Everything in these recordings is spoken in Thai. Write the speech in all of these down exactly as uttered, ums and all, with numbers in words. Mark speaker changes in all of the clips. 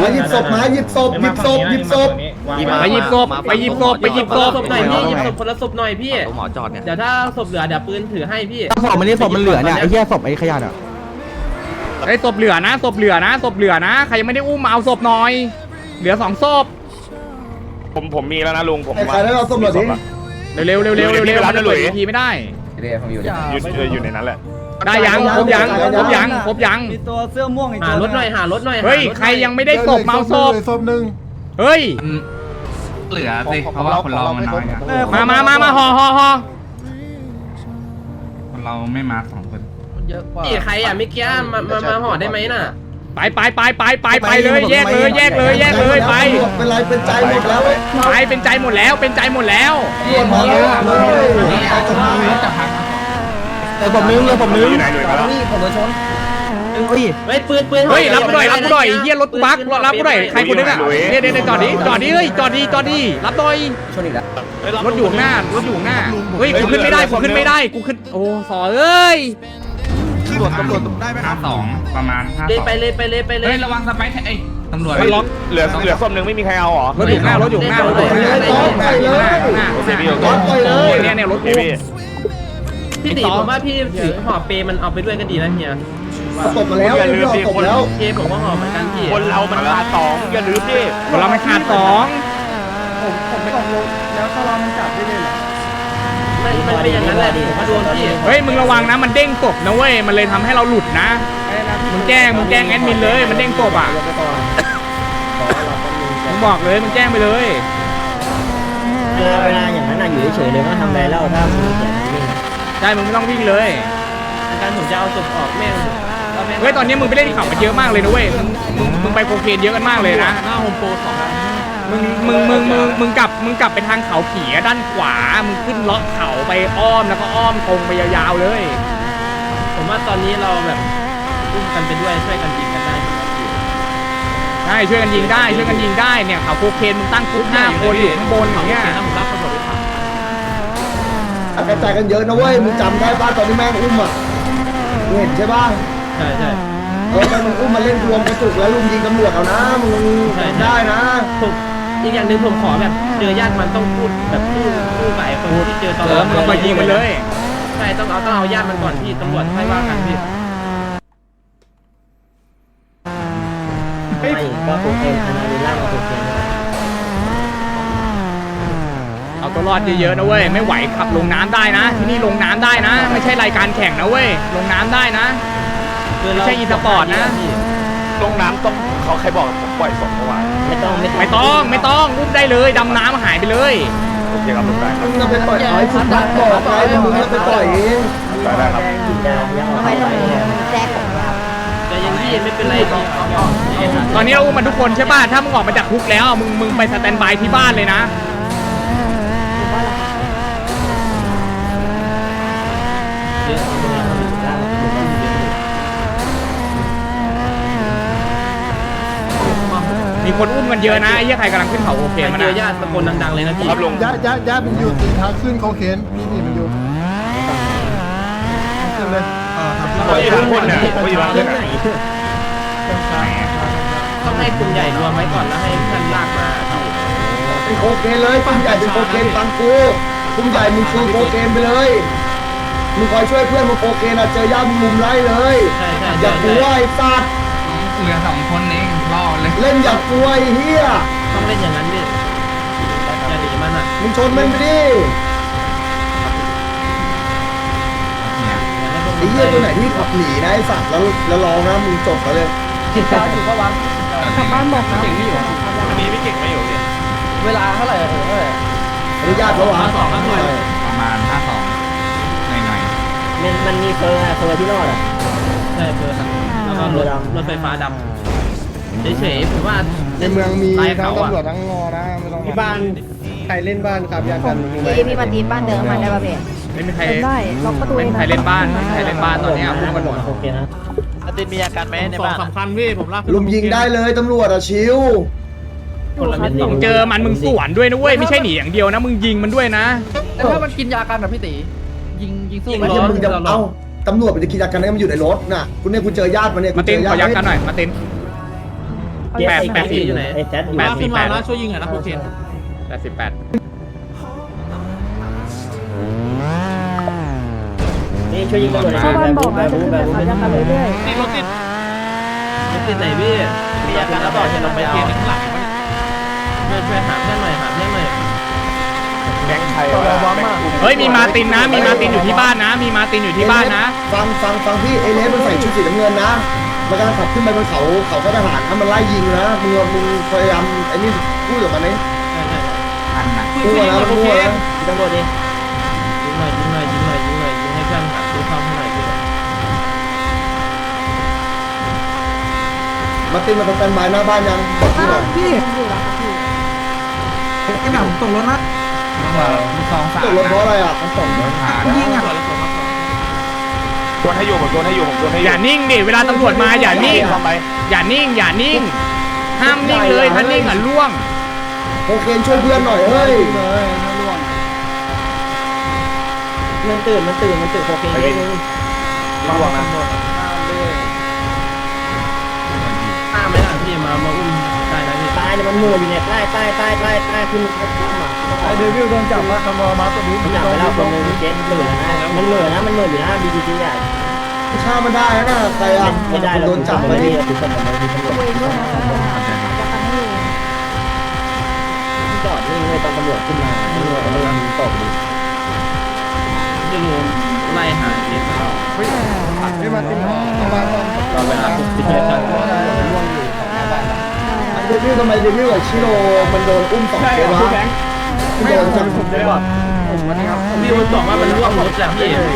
Speaker 1: มาหยิบศพมาหยิบศพหยิบศพหยิบศพ
Speaker 2: ไปหยิบศพไปหยิบศพไปหยิบศพ
Speaker 3: หน่อยพี่หยิบศพคนละศพหน่อยพี่
Speaker 4: หมอจอดเนี่ย
Speaker 3: เดี๋ยวถ้าศพเหลือเดี๋ยวปืนถือให้พี่
Speaker 5: ศพมันนี่ศพมันเหลือเนี่ยไอ้เหี้ยศพไอ้ขยะอ่ะ
Speaker 2: ไอ้ศพเหลือนะศพเหลือนะศพเหลือนะใครยังไม่ได้อุ้มมาเอาศพหน่อยเหลือสองศพ
Speaker 6: ผมผมมีแล้วนะลุงผม
Speaker 1: ไอ้ใครได้เราศพหน่อยดิ
Speaker 2: เร็วเร็วเร็วเร็วเร็วมันจะเปิดทีไม่ได้
Speaker 6: อยู่อยู่ในนั้นแหละ
Speaker 2: ได้ยังครบยังครบยังครบยัง
Speaker 7: มีตัวเสื้อม่วงอีก
Speaker 3: หารถหน่อยหารถหน่อย
Speaker 2: เฮ้ยใครยังไม่ได้ศพเมาศพ
Speaker 1: ศพหนึ่ง
Speaker 2: เฮ้ย
Speaker 4: เหลือสิเพราะว่าคนเรามันน้อยอะ
Speaker 2: มามามามาห่อห่อห่อ
Speaker 4: คนเราไม่มาสองคน
Speaker 7: เยอะกว่า
Speaker 3: พี่ใครอ่ะเมื่อกี้มามามาห่อได้ไหมน่ะ
Speaker 2: ไปไปไปไปไปไปเลยแยกเลยแยกเลยแยกเลยไป
Speaker 1: เป็นไรเป็นใจหมดแล้ว
Speaker 2: ไปเป็นใจหมดแล้วเป็นใจหมดแล้ว
Speaker 1: รวมมาแล้วเลย
Speaker 5: แต่ผมนึงเลยผมนึง
Speaker 6: อยู่ไหนหน่วยมาแล้ว
Speaker 7: นี่ผมโดนชน
Speaker 5: เฮ้ย
Speaker 3: เฮ้ยปืนปืน
Speaker 2: เฮ้ยรับกูหน่อยรับกูหน่อยเฮียรถกูบักรับกูหน่อยใครคนนึงอ่ะเดี๋ยวเดี๋ยวจอดดิจอดดิเฮ้ยจอดดิจอดดิรับหน่อย
Speaker 7: ชนอีกแล้ว
Speaker 2: รถอยู่ข้างหน้ารถอยู่ข้างหน้าเฮ้ยกูขึ้นไม่ได้กูขึ้นไม่ได้กูขึ้นโอ้สอเอ้ย
Speaker 4: ตำรวจตำรวจได้ไหมห้าสองประมาณห้า
Speaker 3: เลย
Speaker 4: สอง
Speaker 3: ไปเลยไปเลยไปเลย
Speaker 4: เฮ้ยระวังสไปร์ไอ้ตำรวจ
Speaker 2: มันล็อก
Speaker 6: เหลือเหลือส้มหนึ่งไม่มีใครเอาหรอ
Speaker 2: รถอยู่ข้างหน้ารถอยู่ข้างหน้ารถอยู่ข้างหน้ารถอยู่ข้างหน้าข้างหน้าข้างหน้าเนี่ยเนี่ยรถกู
Speaker 3: พี่ตีผมว่าพี่ถือห่อเปมันเอาไปด้วยก็ดีนะเฮีย
Speaker 1: ศพมาแล้วเรื่องศพแล้ว
Speaker 3: เคผมก็ห่อเหมือนกันพี่
Speaker 6: คนเรามันขาดสองอย่าลืมดิ
Speaker 2: คนเราไม่ขาดสอง
Speaker 7: ผมผมไม่ออกลงแล้วถ้าเรามันจับได้เลยเหรอ
Speaker 3: ไม่มันเป็นอย่างนั้นแหละผมว่าโดนพี่
Speaker 2: เฮ้ยมึงระวังนะมันเด้งศพนะเว้ยมันเลยทำให้เราหลุดนะมึงแจ้งมึงแจ้งแอดมินเลยมันเด้งศพอ่ะมึงบอกเลยมึงแจ้งไปเลย
Speaker 7: เวลาเวลาอย่างนั้นอยู่เฉยๆเลยว่าทำอะไรเล่าถ้ามึงเสียนิ่ง
Speaker 2: ใช่มึงไม่ต้องวิ่งเลย
Speaker 3: การผมจะเอาศพออกแม่ง
Speaker 2: เฮ้ยตอนนี้มึงไปเล่นข่าวมันเยอะมากเลยนะเว้ยมึงมึงมึงไปโคเคนเยอะกันมากเลยนะหน้าโฮมโปรสองมึงมึงมึงมึงมึงกลับมึงกลับไปทางเขาผีด้านขวามึงขึ้นเลาะเขาไปอ้อมแล้วก็อ้อมตรงไปยาวๆเลย
Speaker 3: ผมว่าตอนนี้เราแบบอุ้มกันไปด้วยช่วยกันยิงกันได้
Speaker 2: ใช่ช่วยกันยิงได้ช่วยกันยิงได้เนี่ยเขาโคเคนมึงตั้งกรุ๊ปห้าคนอยู่ข้างบนอย่างเงี้ย
Speaker 1: กระจายกันเยอะนะเว้ยมึงจำได้ป่ะตอนที่แม่งอุ้มอ่ะมึงเห็นใช่ป่ะ
Speaker 3: ใช่ใช่
Speaker 1: เออมันอุ้มมาเล่นรวมกระจุกแล้วลุมยิงตำรวจเอานะมึงได้นะ
Speaker 3: ผมอีกอย่างหนึ่งผมขอแบบเจอญาติมันต้องพูดแบบพูดพูดกับไอ้คนที่เจอตอน
Speaker 2: เออมึงเอาไปยิงมันเลย
Speaker 3: ใช่ต้องเอาต้องเอาญาติมันก่อนพี่ตำรวจให้ว่ากันพี่
Speaker 7: ไม่ก็โอเคอันนั้นล่างมาโอเค
Speaker 2: เอาตัวรอดเยอะๆนะเว้ยไม่ไหวขับลงน้ำได้นะ ที่นี่ลงน้ำได้นะ ไม่ใช่รายการแข่งนะเว้ยลงน้ำได้นะไม่ใช่อีสปอร์ตนะ
Speaker 6: ลงน้ำต้องเขาใครบอกผมปล่อยศพเมื่อวาน
Speaker 7: ไม่ต้อง
Speaker 2: ไม่ต้องไม่ต้องอุ้มได้เลยดำน้ำหายไปเลย
Speaker 6: โอเคครับลุงได้ครับ
Speaker 1: มึงจะไปปล่อยเอาให้สุดนักบอกไงมึงจะไปปล่อยเอง
Speaker 6: ได้ได้ครับ
Speaker 7: กินยายังเอาไปไหน
Speaker 3: แต่ยังพี่ไม่เป็นไรพี่
Speaker 2: ตอนนี้เราอุ้มมันทุกคนใช่ป่ะถ้ามึงออกมาจากคุกแล้วมึงมึงไปสแตนบายที่บ้านเลยนะมีคนอุ้มกันเยอะนะไอ้เหี้ยใครกำลังขึ้นเขาโอเคมัน
Speaker 3: เจ
Speaker 2: นะ
Speaker 3: อญาติตะโกนดังๆเลยนะพี่
Speaker 6: ครับลุง
Speaker 1: ญาติญาติญาติมันอยู่ตีทางขึ้นเขาเข็นนี่นี่มันอยู่ขึ้นเลย
Speaker 6: เขาอยู่ทั้งคนเนี่ยเขาอยู่ทั้งคนเนี่ย
Speaker 3: ต้องให้กลุ่มใหญ่รวมไว้ก่อนแล้วให้ท่านลากมาพี่
Speaker 1: เป็นโคเคนเลยกลุ่มใหญ่เป็นโคเคนฟังกูกลุ่มใหญ่มึงชูโคเคนไปเลยมึงคอยช่วยเพื่อนมึงโคเคนอะเจอญาติมึงมุมไล่เลย
Speaker 3: ใช่ใช่
Speaker 1: อย่ากลัวไอ้สัตว์
Speaker 4: เหลือสองคนเองรอเลย
Speaker 1: เล่นอย่ากลัวไอ้เหี้ย
Speaker 3: ต้องเล่นอย่างนั้นพี่อย่าหนีมันอ่ะ
Speaker 1: มึงชนมันไปดิไอ้เหี้ยตัวไหนที่ขับหนีนะไอ้สัตว์แล้วแล้วลองนะมึงจบไปเลย
Speaker 7: กินยาอยู่ก็วังกลับบ้านบอกนะ
Speaker 6: อันนี้พี่เก่งไม่อยู่เนี่ย
Speaker 7: เวลาเท่าไหร่เออ
Speaker 1: อนุญาตแล้ววะ
Speaker 4: ประมาณห้าสองหน่อย
Speaker 7: มันมันมีเฟอร์เฟอร์ที่รอดอ่ะ
Speaker 3: ใช่เพื่อครับแล้วก็รถรถไฟฟ้าดำเฉยๆผมว่า
Speaker 1: ในเมืองมี
Speaker 3: ไล่
Speaker 1: ทั้ง
Speaker 3: เขาอะ
Speaker 1: ตำรวจทั้งงอนะไม่ต้องที่บ้านใครเล่นบ้านครับยากันมีไหม
Speaker 8: พี่พี่มาตีบ้านเดิมมาได้ป่ะเบส
Speaker 2: ไม่มีใคร
Speaker 8: ได้ล็อกประตู
Speaker 2: ไม่มีใครเล่นบ้านไม่มีใครเล่นบ้านตอนนี้อุ้มกันหมด
Speaker 7: โอเคนะ
Speaker 3: อาตินมีอาการไหมในบ้าน
Speaker 2: สำคัญพี่ผมลาก
Speaker 1: ลุมยิงได้เลยตำรวจอะชิว
Speaker 3: คนละเม็ดสอง
Speaker 2: เจอมันมึงสวนด้วยนะเว้ยไม่ใช่หนีอย่างเดียวนะมึงยิงมันด้วยนะ
Speaker 7: แต่ถ้ามันกินยากันแบบพี่ตียิงยิงสู้
Speaker 3: ยิง
Speaker 1: ไม่
Speaker 3: ล้
Speaker 1: ใช่
Speaker 3: อ
Speaker 1: มึงจะเอ้าตำรวจมันจะกินยากันได้มันอยู่ในรถน่ะคุณเนี่ยคุณเจอญาติมันเนี่ย
Speaker 2: มา
Speaker 1: คุณ
Speaker 2: เต้น
Speaker 1: เจอ
Speaker 2: ขอยั
Speaker 1: ญาก ติ
Speaker 2: กันหน่อยมาเต้น
Speaker 3: เจ็ดไอ้แปดอยู่ไหน
Speaker 7: ไอ้แซดอยู่
Speaker 2: แปดสิบแปด
Speaker 3: ช่วยยิงหน่อยนะโอเค
Speaker 2: แปดสิบแปด
Speaker 7: นี่ช่วยยิงตำรวจ
Speaker 8: ชาวบ้านบอก
Speaker 7: แบ
Speaker 8: นะ
Speaker 7: บ
Speaker 8: จะ
Speaker 7: บู
Speaker 8: ขึ้น
Speaker 7: แบ
Speaker 8: แบบ บ
Speaker 7: บู
Speaker 8: เขาจะกันเรื่อย
Speaker 3: ติดรถติดรถติดไหนพี่มีอาการแล้วบอกจะลงไปเทียนข้างหลังช่วยช่วยหาเพื่อนหน่อยหาเพื่อนหน่อย
Speaker 6: แก๊งไทยว่ะแม่ง
Speaker 2: เฮ้ยมีมาตินนะ มีมาตินอยู่ที่บ้านนะ มีมาตินอยู่ที่บ้านนะ
Speaker 1: ฟังฟังฟังพี่เอเลสมันใส่ชุดสีน้ำเงินนะมันกำลังขับขึ้นไปบนเขาเขาก็ทหารถ้ามันไล่ยิงนะมึงมึงพยายามไอ้นี่พูดกับมันนี่พูดนะพูดนะ
Speaker 7: ตำรวจดิ
Speaker 3: ยิงหน่อยยิงหน่อยยิงหน่อยยิงหน่อยยิงให้เพื่อนหาซื้อข้าวให้หน่อยพี่
Speaker 1: มาตินมาทำการไม้หน้าบ้านยังบอกพี่หน่อย
Speaker 8: ๆพี่อยู่แล้วครับพี่
Speaker 5: ไอ้หนังตกรถนะ
Speaker 4: สองสาม
Speaker 1: ตกรถเพราะอะไรอ่ะ
Speaker 5: ยิงอ่ะ
Speaker 6: โดนให้อยู่ผมโดนให้อยู่ผมโดนให้อ
Speaker 2: อยู่ ย่านิ่งดิ เวลาตำรวจมาอย่านิ่ง
Speaker 6: ทำไม
Speaker 2: อย่านิ่ง อย่านิ่ง ห้ามนิ่งเลย ถ้านิ่งอ่ะล่วง
Speaker 1: โอเคช่วยเพื่อนหน่อยเฮ้ย
Speaker 7: มันตื่นมันตื่นมันตื่นโอเคเอง
Speaker 6: ระวังนะ
Speaker 3: ห้ามไม่ได้พี่มามาอุ้มได้นะพี่
Speaker 7: ตายเนี่ยมันมืออยู่เนี่ยใต้ใต้ใต้ใต้ใต้ขึ้นขึ้นมา
Speaker 5: ไอเดวิลโดนจับมาตำรวจมาตัวนี้
Speaker 7: มันจับไปแล้วคนนึงเจ๊มันเหนื่อยนะมันเหนื่อยนะมันเหนื่อยอยู่นะบีจีจีอ่ะ
Speaker 1: ฆ่ามันได้นะใครอ่ะ
Speaker 7: ไม่ได้เรา
Speaker 1: โดนจับ
Speaker 7: ไม่
Speaker 1: ไป
Speaker 7: ได้
Speaker 1: ดิ
Speaker 7: ถือคนแบบนี้ตำรวจ
Speaker 8: ตัวเองด้วยนะจะกันให้อยู่
Speaker 7: จอดนิ่งเลยตอนตำรวจขึ้นมาตำรวจเริ่มตกดิ
Speaker 3: จะรู้ไล่หาเด็กเรา
Speaker 1: ไม่มาติน
Speaker 3: เราเวลาพิจารณา
Speaker 1: เดวิลทำไมเดวิลกับชิโร่มันโดนอุ้มสองเกมวะโดนจับผมได้ป่ะ
Speaker 3: พี่มันบอกว่ามันร่วงรถแหละพี่ร่วง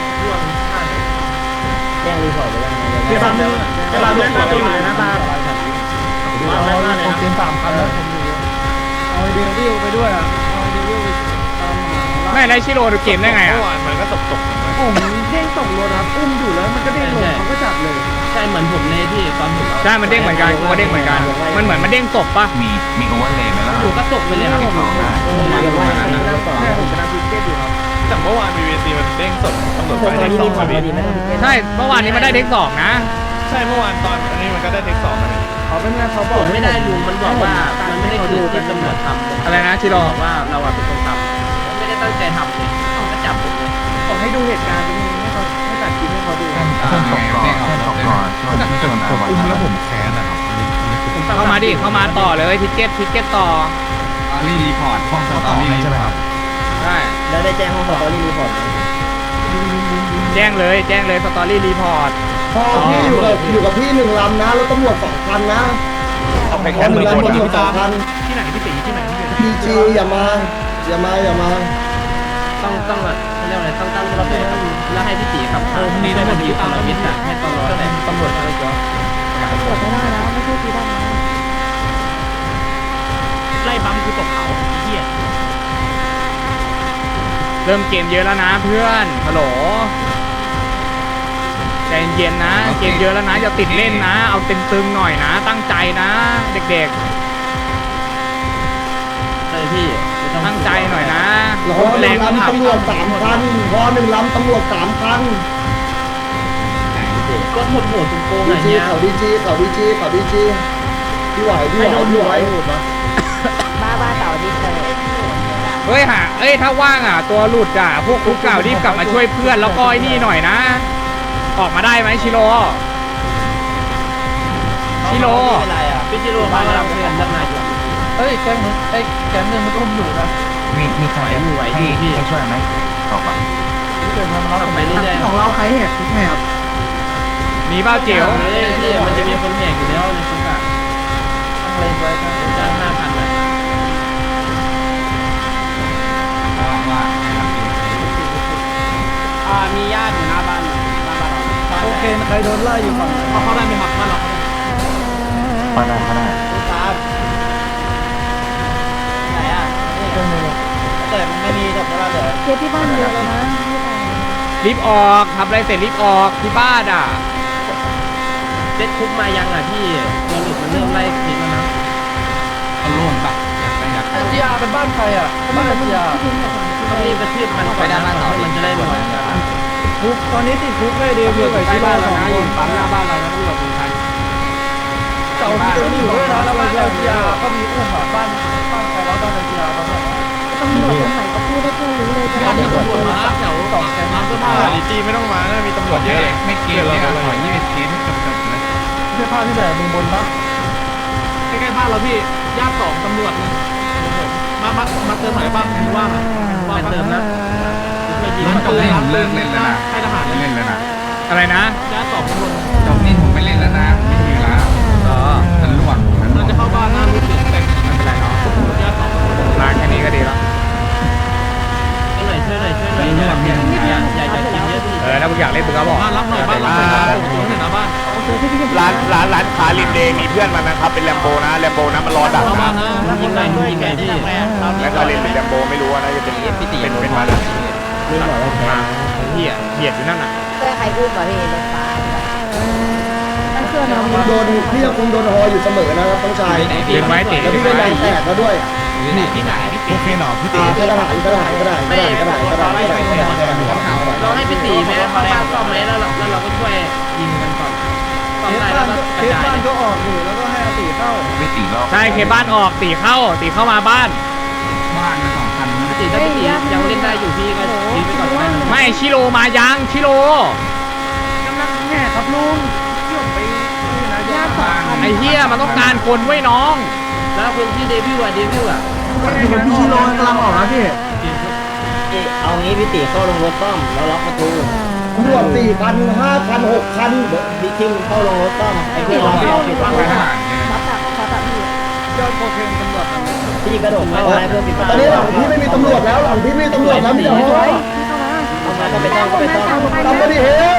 Speaker 7: แย่งรีพอร์ตไปยังไง
Speaker 3: เวลาเวลาเดินมาตัวอยู่ในหน้าบ้าน
Speaker 5: โอเคสามคันแล้วผมอยู่เอาไอเดวิลไปด้วยอ่ะเอาไอเดวิลไปตามหา
Speaker 2: ไม่ได้ชิโร่ดูเกมได้ไงอ่ะ
Speaker 6: เมื่อวานมันก็ตกตก
Speaker 5: ผมเด้งตกรถครับอุ้มอยู่แล้วมันก็เด้งลงเขาก็จับเลย
Speaker 3: ใช่เหมือนผมเลยพี่ตอนผม
Speaker 2: ใช่ มันเด้งเหมือนกันกูก็เด้งเหมือนกัน มันเหมือนมันเด้งศพปะ
Speaker 4: มีมีโอเวอร์เลย์ไหมล่ะ
Speaker 3: อยู่ก็ตกไปเลยครับ
Speaker 7: เรียกว่าอย่างนั้นแล้วต่อ
Speaker 5: แม่ผมกำลังคุยเกตอยู่ครับ
Speaker 6: แต่เมื่อวานมีวีซีมันเด้งสดตำรวจ
Speaker 7: พว
Speaker 6: ไป
Speaker 7: กตอน
Speaker 6: เด้ง
Speaker 7: นี้
Speaker 6: สอง
Speaker 7: รีพอ
Speaker 6: มา
Speaker 7: ร์ต
Speaker 6: พี่
Speaker 7: ดีไหม
Speaker 2: ใช่ เมื่อวานนี้มันได้เด้งสองนะ
Speaker 6: ใช่เมื่อวานตอนอันนี้มันก็ได้เด้งสองมาพี่
Speaker 5: เขาเป็นไงเขาบ
Speaker 3: ผ
Speaker 5: อก
Speaker 3: มไม่ได้ลุงมันบอกว่ามันไม่ได้คือที่ตำรวจทำ
Speaker 2: อะไรนะชิโร่
Speaker 3: บอกว่าเราอะเป็นคนทำไม่ได้ตั้งใจทำเลยก็จับผมเลย
Speaker 5: ผมให้ดูเหตุการณ์ตรงนี้ให้เขาให้ตัดคลิปให้เขาดู
Speaker 4: เส้นตกก่อนเส้นตกก่อนช่วงที่ชนเอาไว้แล้วผมแค้นนะครับ
Speaker 2: เข้ามาดิ เข้ามาต่อเลยทิกเก็ตทิกเก็ตต่อ
Speaker 4: รีรีพอร์ตห้องสตอรี่ใช่ไหมครับ
Speaker 2: ใช่
Speaker 7: แล้วได้แจ้งห้องสตอรี่รีพอร์ต
Speaker 2: แจ้งเลย แจ้งเลยสตอรี่รีพอร์ต
Speaker 1: พ่อพี่อยู่กับอยู่กับพี่หนึ่งลำนะแล้วตำรวจสองคันนะ
Speaker 6: เอาไป
Speaker 1: ห
Speaker 6: แค่ห
Speaker 1: นึ่
Speaker 6: นึ่
Speaker 1: ง
Speaker 6: งคน
Speaker 1: ลำตำรวจสองคัน
Speaker 2: ที่ไหนพี่ตีที่ไหนที่ไหน
Speaker 1: พีจีอย่ามาอย่ามาอย่ามา
Speaker 3: ต้องต้องแบบเรียกอะไรต้องตั้งระเบิดแล้วให้พี่ตีขับผ่านนี่ได้มันดีตามระเบียบให้ตำรวจแต่ตำรวจอะไรก็
Speaker 8: ตรวจไม่ได้นะไม่ใช่ปีดำนะ
Speaker 3: ไล่ปั๊มคือตกเขาเหี้ย
Speaker 2: เริ่มเกมเยอะแล้วนะเพื่อน ฮัลโหล ใจเย็นๆนะ เกมเยอะแล้วนะ อย่าติดเล่นนะ เอาเต็มตึงหน่อยนะ ตั้งใจนะ เด็ก
Speaker 3: ใช่พี่
Speaker 2: ๆ ตั้งใจหน่อยนะ
Speaker 1: รอห
Speaker 2: แร
Speaker 1: นึ่
Speaker 2: ง
Speaker 1: ง
Speaker 2: ก็ขับ
Speaker 1: ลำตำรวจสามคันรอหนึ่งลำตำรวจสามคัน
Speaker 3: ก็หมดหัวตรงโกงอะ
Speaker 1: ดี
Speaker 3: ไร
Speaker 1: จี
Speaker 3: เงี้ย
Speaker 1: เขาดีจีเขาดีจีเขาดีจีพี่ไหวพี่ไหวพี่ไหว
Speaker 8: บ้าบ้าเต่าดิบเลย
Speaker 2: เฮ้ยหาเอ้ยถ้าว่างอ่ะ ตัวหลุดอ่ะ พวกคุกเก่ารีบกลับมาช่วยเพื่อนแล้วก็ไอ้นี่หน่อยนะ ออกมาได้ไหมชิโร่ชิโร่
Speaker 3: พี่จิโร่มาเราเพื่อนด้านในอยู่
Speaker 5: เอ้ยแก๊งนึงไอ้แก๊งนึงมันอุ้มอยู่นะ
Speaker 4: มีมีใครให้ให้ช่วยไหมตอบอ่ะ
Speaker 5: เกิดมาแล้ว
Speaker 3: ขับไปเรื่อยๆ
Speaker 5: ของเราใครแหกแหก
Speaker 2: มีเบ้าเจียว
Speaker 3: พี่มันจะมีคนแหกอยู่แล้วในคุกอะ
Speaker 5: ต้องเลยไว้กัน
Speaker 3: จ้างห้าพันนะ
Speaker 4: ว่าว่าให้รับเอง
Speaker 3: อ่ามีญาติอยู่หน้าบ้านหน้าบ้านเรา
Speaker 5: โอเคใครโดนไล่อยู่ฝั่งไหน
Speaker 3: เขาเข้าได้ไหมครับบ้านเรา
Speaker 4: พอได้พอได้
Speaker 3: ครับไหนอ่ะ
Speaker 5: แก๊งนึง
Speaker 3: แต่ไม่มีดอกกุหลาบเลย
Speaker 8: เคสที่บ้านเยอะแล้วนะไม่ตาย
Speaker 2: รีบออกทำอะไรเสร็จรีบออกที่บ้านอ่ะ
Speaker 3: เซ็ตคุกมายังอ่ะพี่ตัวหลุดมันเริ่มไล่คิดแล้วนะ
Speaker 4: เอาร่วมปะอยากไปอยากไป
Speaker 5: จีอาเป็นบ้านใครอ่ะบ้านจีอา
Speaker 3: ต้องรีบกระทืบมันก่อนนะมันจะได้หมด
Speaker 5: คุกตอนนี้ติดคุกเลยเดวิลกับชิโร่สองคน
Speaker 3: ปั๊มหน้าบ้านเราแล้วตำรวจเป็นคัน
Speaker 5: ตเสาร์ที่อยู่ด้วยนะแล้วบ้านเอลทีอาร์ก็มีอุ้มอ่ะบ้านบ้านใครแล้วบ้านเอลทีอาร์เขาเนี่ย
Speaker 8: ตำรวจตรงไหนก็พูดได้แค่รู้เลยจะ
Speaker 5: บ้าน
Speaker 8: ได้
Speaker 5: ตำรวจมาแถวสองแสนน้ำเสื้อผ้า
Speaker 6: ดีจีไม่ต้องมานะมีตำรวจเยอะเลย
Speaker 4: ไม่เกณฑ์เนี่ยขอยี่สิบเคสให้จบๆเลย
Speaker 5: เสื้อผ้าที่ไหนมึงบนปะใกล้ๆบ้านเราพี่ญาติสองตำรวจมามามาเติมไหนบ้างมึงว่าว่าเติมนะไม่ยิง
Speaker 4: จบนี่ผมเลิกเล่นแล้วนะ
Speaker 5: ให้ทหาร
Speaker 4: ไม่เล่นแล้วนะ
Speaker 2: อะไรนะ
Speaker 5: ญาติสองตำรวจ
Speaker 4: จบนี่ผมไม่เล่นแล้วนะไม่มีแล้ว
Speaker 2: อ๋อ
Speaker 4: ฉันล่วงฉันล่ว
Speaker 5: เรา
Speaker 4: ง
Speaker 5: จะเข้าบ้านหน้ารู้สึกแต่
Speaker 2: ไม่เป็นไรเนาะ
Speaker 5: ญาติสอง
Speaker 2: ร้านแค่นี้ก็ดีแล้ว
Speaker 3: ช่วยหน่อยช่วยหน่อยช่วยหน่อยอย่าอย่าอย่าอย่ากินเยอะพี่
Speaker 2: เออถ้ามึงอยากเล่นมึงก็บอก
Speaker 5: บ้านรับหน่อยบ้านรับหน่อยผมเห็นนะบ้าน
Speaker 6: ร้านร้านร้านค้าริมเดย์มีเพื่อนมันนะครับเป็นแลมโบนะแลมโบนะมันรอดัก
Speaker 5: เข้าบ้า
Speaker 6: นะ
Speaker 5: นนะ
Speaker 3: ยิงหน่อยยิงหน่อยพี่
Speaker 6: แล้วก็เล่นเป็นแลมโบไม่รู้ว่าน่าจะเป็นเป็นเป็นมัน
Speaker 7: ลุงบอกว่าแพ้
Speaker 2: เหี้ยเหี้ยอยู่นั่นน่ะ
Speaker 8: เพื่อใครพูดมาพี่รถฟ้านั่นคือน้อง
Speaker 1: โดนพี่ยังคงโดนฮออยู่เสมอนะครับต้องชาย
Speaker 2: เดินไว้ติ
Speaker 1: แล้วพี่ก็ยางแตกแล้วด้วย
Speaker 4: ที่ไหนโอเคหนอพี่
Speaker 1: อ่ากระดาษกระดาษกระดาษกระดาษกระดาษกระดาษกระดาษกระดาษกระดาษ
Speaker 3: เราให้พี่ตีไหมเข้าบ้านซ่อมไหมแล้วเราแล้วเราก็ช่วยยิงกันก่อนซ่อมได้แล้วก็กระจาย
Speaker 5: บ้านก็ออกอยู่แล้วก็ให้อาติเข้า
Speaker 4: ไม่ตีรอบ
Speaker 2: ใช่เคบ้านออกตีเข้าตีเข้ามาบ้าน
Speaker 4: บ้านมาสองพัน
Speaker 3: พี่ตีถ้าพี่ตียังเล่นได้อยู่พี่ก็ยืนไปก่อนได้
Speaker 2: ไม่ชิโรมายังชิโร
Speaker 5: กำลังแง่ครับลุงเที่ยวไปนะ
Speaker 8: ญาติสองคัน
Speaker 2: ไอ้เหี้ยมันต้องการคนไว้น้อง
Speaker 3: แล้วคนที่เดบิวต์อะเดบิวต์อะ
Speaker 5: อยู่พี่ชิโร่กำลังออกนะพี่
Speaker 7: เอางี้พี่ตีเข้าลงรถต้อมแล้วล็อกประตู
Speaker 1: ตำรวจสี่พันห้าพันหกพัน
Speaker 7: พี่คิมเข้าลงรถต้อมไอ้พี่ล็อกล็อกปิดประตู
Speaker 2: ทหาร
Speaker 8: รับจากขอจากพี่
Speaker 5: ยอดโคเคนตำรวจ
Speaker 7: พี่กระโดดเข้าไปเพื่อปิดประ
Speaker 1: ตอน
Speaker 7: ตู
Speaker 1: นี้หลังพี่ไม่มีตำรวจแล้วหลังพี่ไม่มีตำรวจแล้วมีแต่ฮอ
Speaker 8: พี่เข้ามา
Speaker 7: เอามาก็ไปต้อมก็ไปต้อม
Speaker 1: ทำมาดิเฮ้ย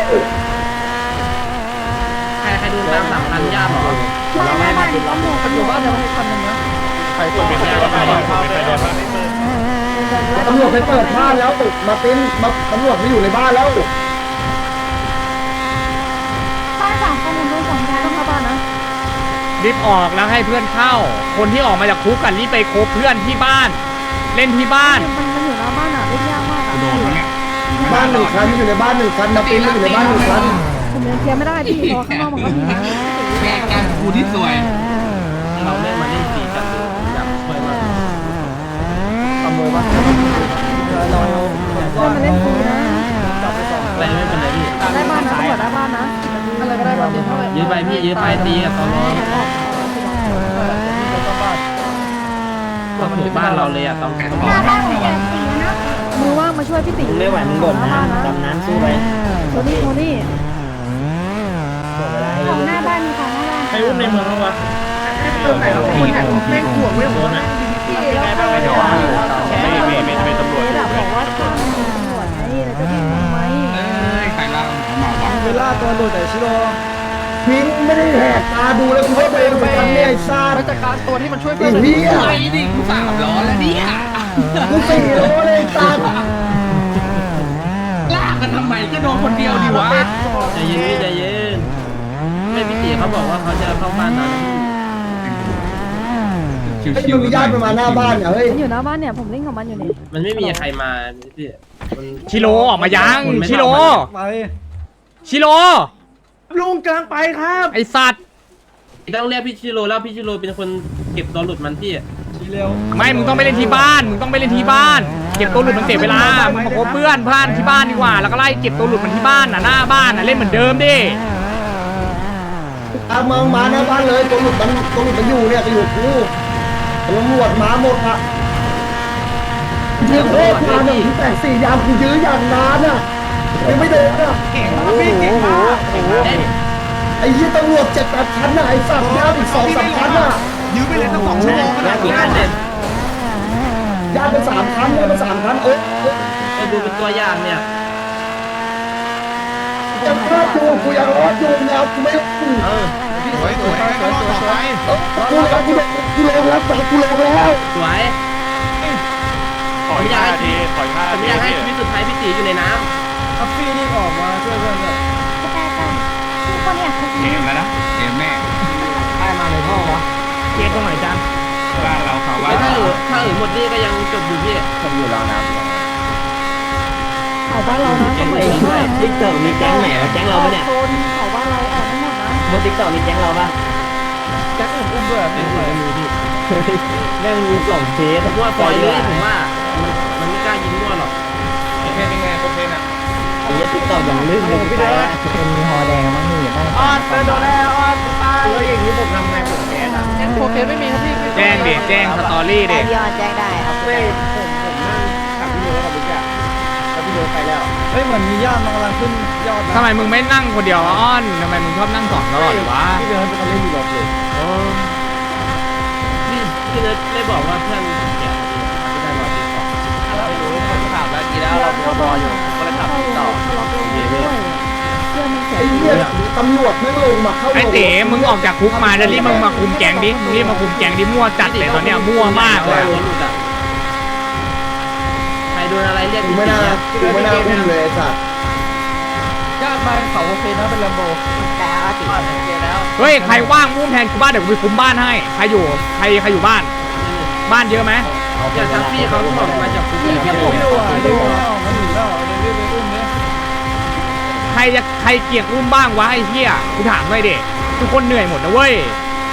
Speaker 3: ใครใครดูตามสามพันญาติหรอ
Speaker 7: เราไม่มาติดล็อก
Speaker 5: อยู่บ้านเดียวให้คันนึงนะ
Speaker 6: ใครคนเป็นญาติใครเป็นญาติ
Speaker 1: ตำรวจไปเปิดบ้านแล้วมาเป็นมาตำรวจไม่อยู่ในบ้านแล้ว
Speaker 8: บ้านสองคันผมโดนสองยายต้องเข้าบ้านนะ
Speaker 2: รีบออกแล้วให้เพื่อนเข้า คนที่ออกมาจากคุกกันรีบไปคบเพื่อนที่บ้าน เล่นที่บ้าน
Speaker 8: มันมันอยู่หน้าบ้านอ่ะเล่นยากมากอ่ะ
Speaker 4: โดนเนี่ย
Speaker 1: บ้านหนึ่งคันอยู่ในบ้านหนึ่งคันมาเป็นอยู่ในบ้านหนึ่งคัน
Speaker 8: ผมยังเคลียร์ไม่ได้พี่เพราะข้างนอกมันก็มีนะ
Speaker 4: แม่การกูที่สวย
Speaker 3: เราไม่มาเล่นฟรีกันอยากช่วยมาก
Speaker 5: ขโมยบ้านเรา
Speaker 8: เพื่อนมาเล่นฟรีนะ
Speaker 5: จับไปสอง
Speaker 3: อะไรไม่เป็นไรพี่
Speaker 8: ได้บ้านนะตำรวจได้บ้านนะอะไรก็ได้บ้านเดียวเท่าไหร่
Speaker 3: ยืนไปพี่ยืนไปตีกับตอนนี้ก็ถูกบ้านเราเลยอะต้องต้อง
Speaker 8: หน้าบ้านของแกตีนะมือว่างมาช่วยพี่ตี
Speaker 7: มึงไม่ไหวมึงบ่นน้ำดำน้ำสู้ไป
Speaker 8: โทนี่โทนี่
Speaker 7: บอกเวลาให้
Speaker 8: ของหน้าบ้านมีของหน้าบ้าน
Speaker 5: ใครอุ้มในเมืองบ้างวะแม่งห่วงไม่ห่วงนะ
Speaker 8: พี่แล้วก็ไม่ไม่ไม่ไม่ตำรวจบอกว่าตำรวจไงแล้วจะพี่ทำไม
Speaker 4: เอ้ยใครเล่าหมอวัง
Speaker 5: เวลาตัวหลุดแต่ชิโร่
Speaker 1: พิงไม่ได้แหกตาดูแล้วกูว่าตัวเองเป็นคนเนี่ยไอ้ซ่า
Speaker 5: ไปจัดการตัวที่มันช่วย
Speaker 1: ไอ้เหี้ย
Speaker 4: ไอ้ดิกูสามล้อแล้วเนี่ย
Speaker 1: กูสี่โลเลยไอ้ซ่า
Speaker 4: ลากกันทำไมก็โดนคนเดียวดีวะ
Speaker 3: ใจเย็นใจเย็นไม่พี่ตีเขาบอกว่าเขาจะเข้าบ้านนั้น
Speaker 1: ไอ้มึงมีญาติมันมาหน้าบ้านอ่ะเฮ้ย
Speaker 8: มันอยู่หน้าบ้านเนี่ยผมเล่นของมันอยู่นี่
Speaker 3: มันไม่มีใครมาพี่
Speaker 2: ชิโรออกมายังชิโร
Speaker 5: ไป
Speaker 2: ชิโร
Speaker 5: ลุงกำลังไปครับ
Speaker 2: ไอสัตว์
Speaker 3: ต้องเรียกพี่ชิโร่แล้วพี่ชิโร่เป็นคนเก็บตัวหลุดมันพี่
Speaker 5: ทีเร็ว
Speaker 2: ไม่มึงต้องไปเล่นที่บ้านมึงต้องไปเล่นที่บ้าน เก็บตัวหลุดมันเสียเวลามึงมาคบเพื่อนเพื่อนที่บ้านดีกว่า แล้วก็ไล่เก็บตัวหลุดมันที่บ้านน่ะหน้าบ้านน่ะเล่นเหมือนเดิมดิ
Speaker 1: ตามมามาหน้าบ้านเลยตัวหลุดมันตัวหลุดมันอยู่เนี่ยจะอยู่กูตำรวจมาหมดอ่ะเรียกโคตรมาหนึ่งแต่สี่ยามกูยื้ออย่างนานอ่ะยังไม่โดนอ่ะ
Speaker 5: โอ้โหโอ้โห
Speaker 1: ไอ้ยี่ตำรวจเจ็ดแปดพันน่ะไอ้สัตว์ยามอีกสองสามพันน่ะ
Speaker 5: ยื้อไปเลยตั้งสองชั่วโมงขนาดนี้
Speaker 1: ยามเป็นสามพันยามเป็นสามพันเอ้ย
Speaker 3: ไปดูเป็นตัวอย่างเนี่ย
Speaker 1: ยังรอดอยู่กูยังรอดอยู่แล้วกูไม่
Speaker 3: เออ
Speaker 4: สวยสวยก็รอดต่อไป
Speaker 1: กูลงกูลงกูลงแล้วกูลงแล้ว
Speaker 3: สวย
Speaker 6: ถอยห้าทีถอยห้า
Speaker 3: ผม
Speaker 6: ที
Speaker 3: อยากให้ชีวิตสุดท้ายพี่ตีอยู่ในน้
Speaker 5: ทัฟฟี่นี่ออกมาช่วยเพื่อนเลย
Speaker 8: แต่แต่คือคนเนี่ยคือ
Speaker 4: เกมแล้วนะเกมแน่
Speaker 5: ได้มาเลยพ่อวะ
Speaker 2: เกียร์ตรงไหนจัน
Speaker 4: บ้านเราเขา
Speaker 3: ำ
Speaker 4: ว่า
Speaker 3: แล้วถ้าเออถ้าเออหมดนี่ก็ยังจบอยู่พี่
Speaker 7: ผมอยู่รองน้ำ
Speaker 8: เขาบ้านเรานะ
Speaker 7: ไอ้ติ๊กเตอร์มีแก๊งไหนวะแก๊งเราปะเนี่ย
Speaker 8: โซนเขาบ้านเราออกไม่หมดนะ
Speaker 7: บนติ๊กเตอร์มีแก๊งเราปะ
Speaker 8: ม
Speaker 5: แจ็คอุ้มอุ้มด้วย
Speaker 3: ไม่มีไม่มีพี่
Speaker 7: แม่งมีสองเคส
Speaker 3: ผมว่าปล่อยเลยผมว่ามันมันไม่กล้ายิงมั่วหรอก
Speaker 5: เพนยังไงโอเคนะ
Speaker 7: ไอ้ยัดติ๊กต็อกอย่างลื่นเลยพี่ไปละเป็นมีฮอแดงมั้งนี่ได้
Speaker 5: ออดโดนแล้วออดตาย
Speaker 7: แล้วอย่างนี้ผมทำไงผมแพ้นะ
Speaker 5: โอเคไม่มีครับพี่
Speaker 2: แจ้งดิแจ้งสตอรี่ดิ
Speaker 8: พี่ยอดแจ้งได้เอาไป
Speaker 7: ผมผมนั่งขับพี่เนื้อกับพี่แกแล้วพี่เนื้อไปแล้ว
Speaker 5: เฮ้ยเหมือนมียอดมันกำลังขึ้นยอด
Speaker 2: ทำไมมึงไม่นั่งคนเดียววะอ้อนทำไมมึงชอบนั่งสองตลอดหรือวะ
Speaker 7: พี่เนื้อเป็นคนเล่นอยู่รถเลย
Speaker 3: พี่พี่เนิร์ดได้บอกว่าเพื่อนเสียไม่ได้รอติดต่อ
Speaker 5: ไม่รู้ผมถามแล้วกี่แล้วเรารออยู่ก็เลยขับต่อ
Speaker 8: เพื่อนมันเสีย
Speaker 1: ไอ้เหี้ยตำรวจไม่ลงมาเข้า
Speaker 2: ไอ้เต๋มึงออกจากคุกมาแล้วรีบมึงมาคุมแก๊งดิมึงรีบมาคุมแก๊งดิมั่วจัดเลยตอนเนี้ยมั่วมากเลยอะ
Speaker 3: ใครโดนอะไรเรียก
Speaker 1: กูไม่น่ากูไม่น่าอุ้มเลยไอ้สัตว์
Speaker 5: ญาติมาเขาโอเคนะเป็นลมโบ
Speaker 8: แต่เอาติด
Speaker 2: เฮ้ยใครว่างอุ้มแทนกูบ้านเดี๋ยวกูไปคุมบ้านให้ใครอยู่ใครใครอยู่บ้าน บ้านเยอะไหม
Speaker 3: อย่าทักพี่เขาที่บอกมาจากคุกเลยพี่
Speaker 5: ผมดูอ่ะดูอ่ะมันหนีแล้วเดี๋ยวรีบไปอุ้มเนี่ย
Speaker 2: ใครจะใครเกลียดอุ้มบ้างวะไอ้เหี้ยกูถามหน่อยดิทุกคนเหนื่อยหมดนะเว้ย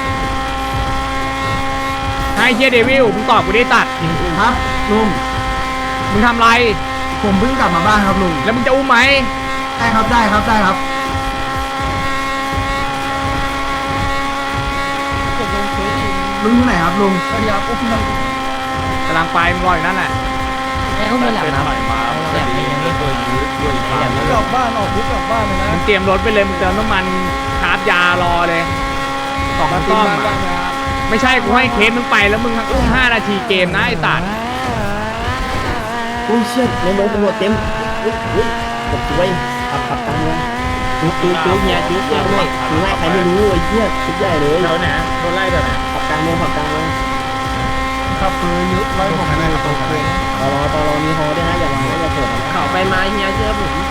Speaker 2: ไอ้เหี้ยเดวิลมึงตอบกูได้ตัด
Speaker 1: ครับลุง
Speaker 2: มึงทำไร
Speaker 1: ผมเพิ่งกลับมาบ้านครับลุง
Speaker 2: แล้วมึงจะอุ้มไหม
Speaker 1: ได้ครับได้ครับได้ครับ ลุงที่ไหนครับลุง
Speaker 5: พยายามอุ้มมัน
Speaker 2: กำลังไปมึงรออยู่นั่นแหละ
Speaker 3: เขาไม่หลับนะแบบนี้ยังไม่เคยยืดด้วยไป
Speaker 5: กลับบ้านออกคุกกลับบ้านเลยนะ
Speaker 2: มึงเตรียมรถไปเลยมึงเติมน้ำมันคาร์บยารอเลยสอง
Speaker 5: มา
Speaker 2: ต้
Speaker 5: ตี
Speaker 2: อม
Speaker 5: บ้าน
Speaker 2: อะ
Speaker 5: บ้างนะครับ
Speaker 2: ไม่ใช่กูให้เคสมึงไปแล้วมึงอุ้มห้านาทีเกมนะไอ้ตัด
Speaker 7: อุ้ยเชี่ยในรถตำรวจเต็มอุ้ยอุ้ยกดช่วยขับขับตามเลยจุ๊บจุ๊บจุ๊บเนี่ยจุ๊บเนี่ยไม่ถึงไล่ใครไม่รู้ไอ้เหี้ยชุดใหญ่เลย
Speaker 5: แล้วไหนโดนไล่แบบไหน
Speaker 7: ขับกลางเมืองขับกลางเมือง
Speaker 5: ขับปืนยึดไล่ผมเลยโอเค
Speaker 7: ตอรอตอรอมีฮอด้วยนะอย่าวางนะอย่าเปิดนะ
Speaker 3: เขาไปมาเฮียเชื่อผม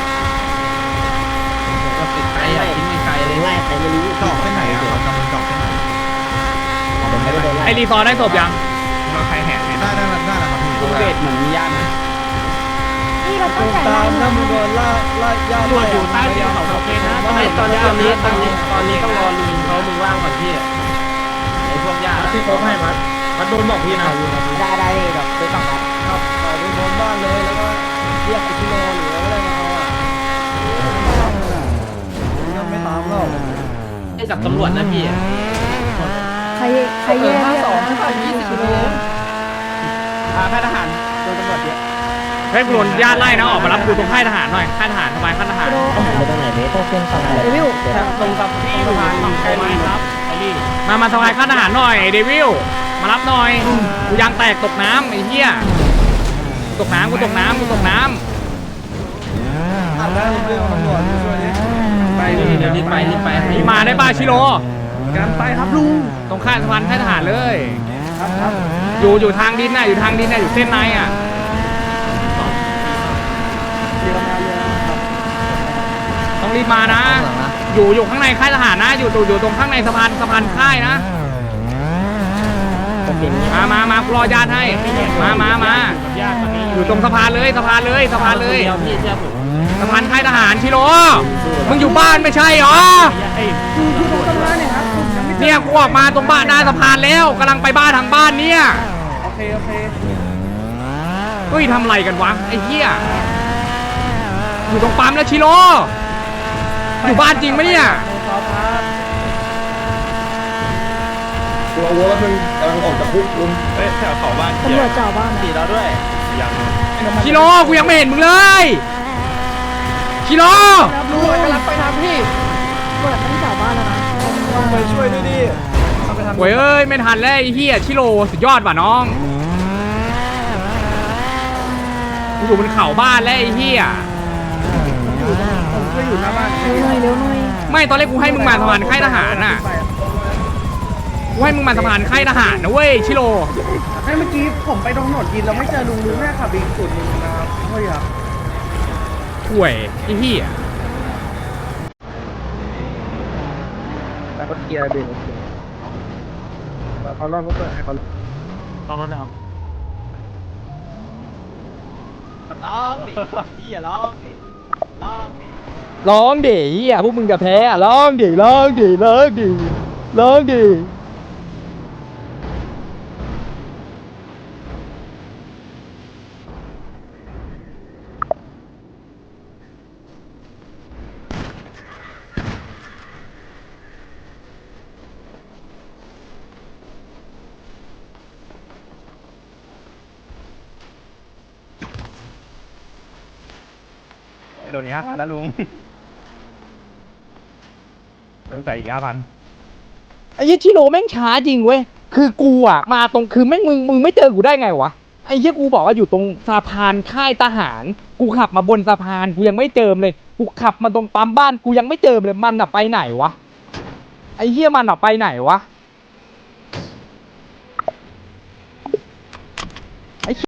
Speaker 3: ก็ติดไกลอ่ะทิ้งไม่ไกลเลย
Speaker 7: ไล่ใครไม่รู้
Speaker 4: จอกเส้นไหนอ่ะเรากำลังจอกเส้นไหน
Speaker 7: ผมไม่ได้โดนไล่
Speaker 2: ไอ้รีซอร์ได้ศพยัง
Speaker 4: เราใครแหกได้ได้ได้แล้วครับพี่
Speaker 3: ลุงเดชเหมือนมีญาตินะ
Speaker 8: นี่เราต้องจ่าย
Speaker 5: ตาม
Speaker 8: เงิ
Speaker 5: ถ้าน มึงโดนล่าล่าญาติไล่อยู่ใต้เดียวเขาโอเคนะ
Speaker 3: ไม่ตอนนี้ตอนนี้ตอนนี้ตอนนี้ต้องรอลุงเขามึงว่างก่อนพี่ไอ้พวกญาติ
Speaker 5: ที่เขาให้มัดมัดโดนบอกพี่นะ
Speaker 8: ได้ได้เลยแบบไปสองนัด
Speaker 5: ครับต่อไปโดนบ้านเลยแล้วก็เรียกไปที่โรงหรืออะไรมาเอาอ่ะยังไม่ตามเรา
Speaker 3: ให้กับตำรวจนะพี่
Speaker 8: ใครใครแย่
Speaker 5: ห้า
Speaker 8: เนี่ย
Speaker 5: สอง
Speaker 8: นะ
Speaker 5: ห้ายี่สิบกิโลอ่าค่ายทหารโดนตำรวจเยอะ
Speaker 2: เฮ้ยกูโดนญาติไล่นะออกมารับกูตรงค่ายทหารหน่อยค่ายทหารทำไมค่ายทหาร
Speaker 7: ทหารไปตรงไหนเบสเป็นฝั่งไหน
Speaker 8: เดวิล
Speaker 5: ตรงกับที่สะพานใกล้ไหมครับไอ้นี่
Speaker 2: มามาทำลายค่ายทหารหน่อยเดวิลมารับหน่อยกูยางแตกตกน้ำไอ้เหี้ยตกน้ำกูตกน้ำกูตกน้
Speaker 5: อ่านได้เรื่องตำรวจช่วยดิ
Speaker 3: ไปพี่เดี๋ยวรีบไปรีบไป
Speaker 2: ำนี่มาได้ป่ะชิโร่
Speaker 5: การไปครับลุง
Speaker 2: ตรงค่ายสะพานค่ายทหารเลย
Speaker 5: ครับครับ
Speaker 2: อยู่อยู่ทางดินน่ะอยู่ทางดินน่ะอยู่เส้นในอ่ะ
Speaker 5: เรือมาเรือครับ
Speaker 2: ต้องรีบมานะ อยู่อยู่ข้างในค่ายทหารนะ อยู่อยู่อยู่ตรงข้างในสะพานสะพานค่ายนะ
Speaker 7: ผมเป็น
Speaker 2: มามามากูรอญาติให้มามามาอยู่ตรงสะพานเลยสะพานเลยสะพานเลย
Speaker 3: เดียวพี่เชื่อผม
Speaker 2: สะพานค่ายทหารชิโร่มึงอยู่บ้านไม่ใช่เหรอเนี่ยกูออกมาตรงบ้านหน้าสะพานแล้วกำลังไปบ้านทางบ้านเนี่ย
Speaker 5: โอเคโอเค
Speaker 2: เฮ้ยทำไรกันวะไอ้เหี้ยอยู่ตรงปั๊มแล้วชิโร่อยู่บ้านจริงไหมเนี่ย
Speaker 5: ครับครับ
Speaker 1: กูเอาวัวแล้วมึงกำลังออกจากคุกลุง
Speaker 4: เฮ้ยแถวเขาบ้าน
Speaker 8: ตำรวจจ่อบ้าน
Speaker 3: ตีเราด้วย
Speaker 4: ยัง
Speaker 2: ชิโร่กูยังไม่เห็นมึงเลยชิโร่
Speaker 5: ลุงกำลังไปทางพี่
Speaker 8: ตำรวจไม่ได้จ่อบ้านแล้วนะ
Speaker 5: ไปช่วยด้วยดิ
Speaker 2: โว้ยเอ้ยไม่ทันแล้วไอ้เหี้ยชิโร่สุดยอดว่ะน้องกูอยู่บนเขาบ้านแล้วไอ้เหี้ย
Speaker 5: ผมช่วยอยู่หน้าบ้าน
Speaker 8: เร็วหน่อยเร็วหน่อย
Speaker 2: ไม่ตอนแรกกูให้มึงมาสะพานค่ายทหารน่ะกูให้มึงมาสะพานค่ายทหารนะเว้ยชิโร่
Speaker 5: ให้เมื่อกี้ผมไปตรงถนนกินแล้วไม่เจอลุงลุงแม่ขับอีกจุดนึงนะครับเฮ้ยครับ
Speaker 2: ห่วยไอ้เหี้ย
Speaker 5: แต่ก็เกียร์เบรกเขาลองก็เปิดให้เขาลองรถนะครับร้องดิพี่อย่าร้องดิร้องดิ
Speaker 2: ร้องดิเหี้ยพวกมึงจะแพ้อะร้องดิร้องดิร้องดิร้องดิโดนอีกห้าพันนะลุงต้องใส่อีกห้าพันไอ้ยี่ชิโร่แม่งช้าจริงเว้ยคือกูอ่ะมาตรงคือแม่งมึงมึงไม่เจอกูได้ไงวะไอ้ยี่กูบอกว่าอยู่ตรงสะพานค่ายทหารกูขับมาบนสะพานกูยังไม่เจอเลยกูขับมาตรงปั๊มบ้านกูยังไม่เจอเลยมันอ่ะไปไหนวะไอ้เหี้ยมันอ่ะไปไหนวะ